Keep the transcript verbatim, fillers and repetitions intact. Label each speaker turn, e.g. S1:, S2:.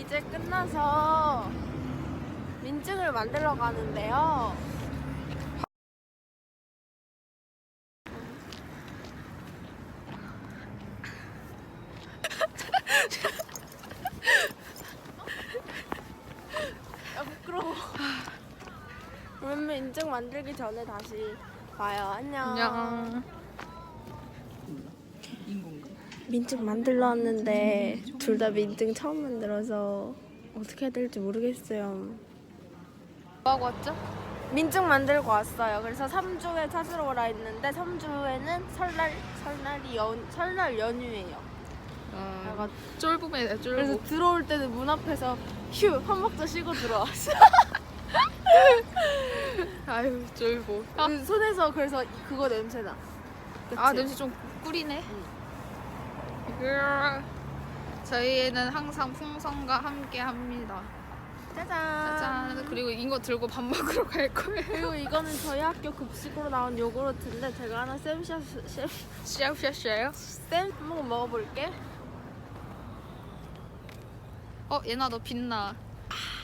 S1: 이제 끝나서 민증을 만들러 가는데요. 아, 부끄러워. 그러면 인증 만들기 전에 다시 봐요. 안녕.
S2: 안녕.
S1: 민증 만들러 왔는데 둘 다 민증 처음 만들어서 어떻게 해야 될지 모르겠어요.
S2: 뭐하고 왔죠?
S1: 민증 만들고 왔어요. 그래서 삼 주에 찾으러 오라 했는데 삼 주에는 설날 설날이 연 설날 연휴예요.
S2: 아,
S1: 내가
S2: 쫄보네 쫄보.
S1: 그래서 들어올 때는 문 앞에서 휴 한 박자 쉬고 들어왔어.
S2: 아유 쫄보. 아,
S1: 그 손에서 그래서 그거 냄새나. 그치?
S2: 아 냄새 좀 꾸리네. 으아. 저희는 항상 풍선과 함께 합니다.
S1: 짜잔.
S2: 짠. 그리고 이거 들고 밥 먹으러 갈 거예요.
S1: 그리고 이거는 저희 학교 급식으로 나온 요구르트인데 제가 하나 쌤샷 쌤
S2: 샤샤샤요?
S1: 쌤 한번 먹어볼게.
S2: 어 얘나 너 빛나.